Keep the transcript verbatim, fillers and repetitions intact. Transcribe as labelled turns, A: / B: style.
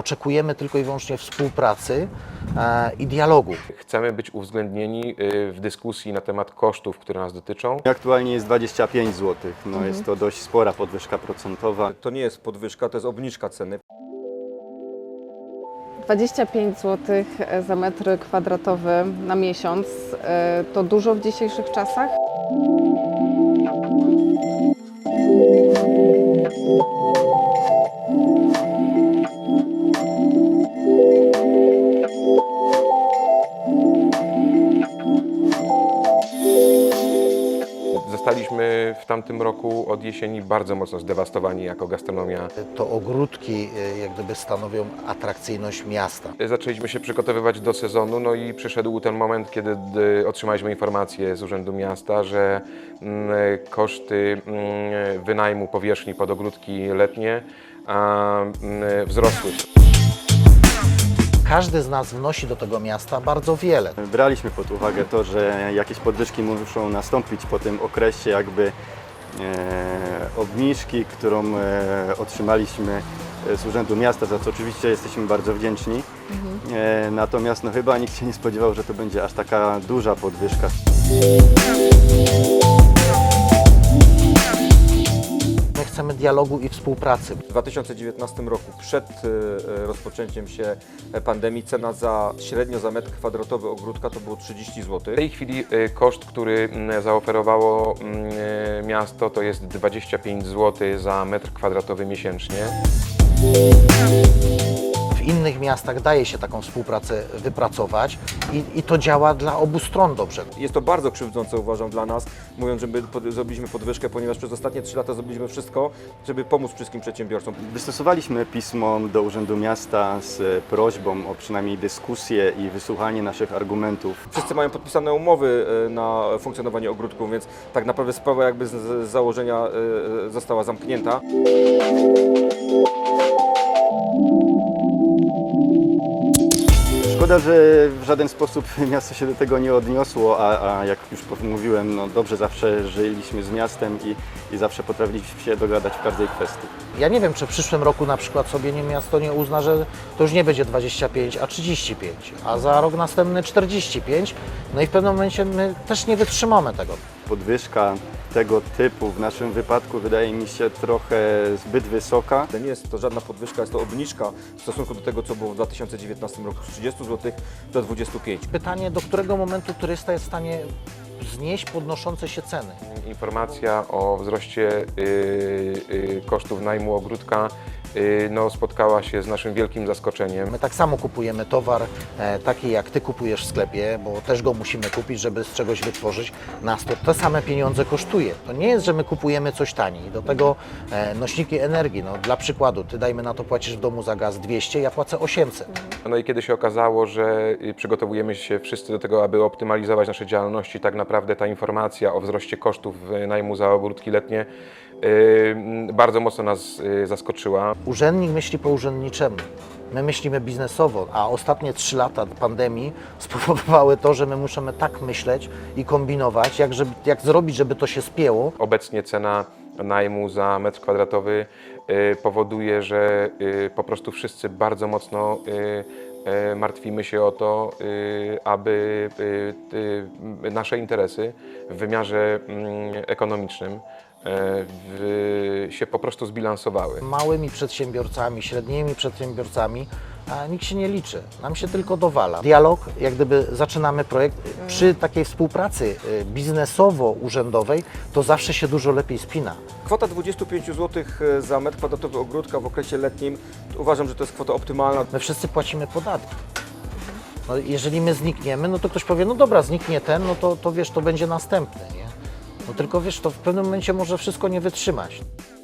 A: oczekujemy tylko i wyłącznie współpracy i dialogu.
B: Chcemy być uwzględnieni w dyskusji na temat kosztów, które nas dotyczą.
C: Aktualnie jest dwadzieścia pięć złotych. No
D: Mhm.
C: Jest to dość spora podwyżka procentowa.
E: To nie jest podwyżka, to jest obniżka ceny.
D: dwadzieścia pięć złotych za metr kwadratowy na miesiąc to dużo w dzisiejszych czasach?
B: Zostaliśmy w tamtym roku od jesieni bardzo mocno zdewastowani jako gastronomia.
A: To ogródki jak gdyby stanowią atrakcyjność miasta.
B: Zaczęliśmy się przygotowywać do sezonu, no i przyszedł ten moment, kiedy otrzymaliśmy informację z Urzędu Miasta, że mm, koszty mm, wynajmu powierzchni pod ogródki letnie a, mm, wzrosły.
A: Każdy z nas wnosi do tego miasta bardzo wiele.
C: Braliśmy pod uwagę to, że jakieś podwyżki muszą nastąpić po tym okresie jakby e, obniżki, którą e, otrzymaliśmy z Urzędu Miasta, za co oczywiście jesteśmy bardzo wdzięczni. Mhm. E, natomiast no, chyba nikt się nie spodziewał, że to będzie aż taka duża podwyżka.
A: My chcemy dialogu i współpracy.
E: W dwa tysiące dziewiętnastym roku, przed e, rozpoczęciem się pandemii, cena za średnio za metr kwadratowy ogródka to było trzydzieści
B: W
E: złotych.
B: tej chwili y, koszt, który mm, zaoferowało y, miasto, to jest dwadzieścia pięć złotych za metr kwadratowy miesięcznie.
A: W innych miastach daje się taką współpracę wypracować i, i to działa dla obu stron dobrze.
E: Jest to bardzo krzywdzące, uważam, dla nas, mówiąc, że my pod, zrobiliśmy podwyżkę, ponieważ przez ostatnie trzy lata zrobiliśmy wszystko, żeby pomóc wszystkim przedsiębiorcom.
C: Wystosowaliśmy pismo do Urzędu Miasta z prośbą o przynajmniej dyskusję i wysłuchanie naszych argumentów.
E: Wszyscy mają podpisane umowy e, na funkcjonowanie ogródków, więc tak naprawdę sprawa jakby z, z założenia e, została zamknięta.
C: Szkoda, że w żaden sposób miasto się do tego nie odniosło, a, a jak już mówiłem, no dobrze zawsze żyliśmy z miastem i, i zawsze potrafiliśmy się dogadać w każdej kwestii.
A: Ja nie wiem, czy w przyszłym roku na przykład sobie nie miasto nie uzna, że to już nie będzie dwadzieścia pięć, a trzydzieści pięć, a za rok następny czterdzieści pięć. No i w pewnym momencie my też nie wytrzymamy tego.
C: Podwyżka tego typu w naszym wypadku wydaje mi się trochę zbyt wysoka.
E: Nie jest to żadna podwyżka, jest to obniżka w stosunku do tego, co było w dwa tysiące dziewiętnastym roku, z trzydziestu złotych do dwudziestu pięciu.
A: Pytanie, do którego momentu turysta jest w stanie znieść podnoszące się ceny.
B: Informacja o wzroście y, y, kosztów najmu ogródka y, no, spotkała się z naszym wielkim zaskoczeniem.
A: My tak samo kupujemy towar, e, taki jak Ty kupujesz w sklepie, bo też go musimy kupić, żeby z czegoś wytworzyć. Nas to te same pieniądze kosztuje. To nie jest, że my kupujemy coś taniej. Do tego e, nośniki energii, no, dla przykładu, Ty dajmy na to płacisz w domu za gaz dwieście, ja płacę osiemset.
B: No i kiedy się okazało, że y, przygotowujemy się wszyscy do tego, aby optymalizować nasze działalności, tak naprawdę ta informacja o wzroście kosztów najmu za ogródki letnie y, bardzo mocno nas y, zaskoczyła.
A: Urzędnik myśli po urzędniczemu. My myślimy biznesowo, a ostatnie trzy lata pandemii spowodowały to, że my musimy tak myśleć i kombinować, jak, żeby, jak zrobić, żeby to się spięło.
B: Obecnie cena najmu za metr kwadratowy y, powoduje, że y, po prostu wszyscy bardzo mocno y, y, martwimy się o to, y, aby y, y, nasze interesy w wymiarze y, ekonomicznym y, w, się po prostu zbilansowały.
A: Małymi przedsiębiorcami, średnimi przedsiębiorcami a nikt się nie liczy, nam się tylko dowala. Dialog, jak gdyby zaczynamy projekt, przy takiej współpracy biznesowo-urzędowej, to zawsze się dużo lepiej spina.
E: Kwota dwudziestu pięciu złotych za metr kwadratowy ogródka w okresie letnim, uważam, że to jest kwota optymalna.
A: My wszyscy płacimy podatki. No, jeżeli my znikniemy, no to ktoś powie, no dobra, zniknie ten, no to, to wiesz, to będzie następny, nie? No tylko wiesz, to w pewnym momencie może wszystko nie wytrzymać.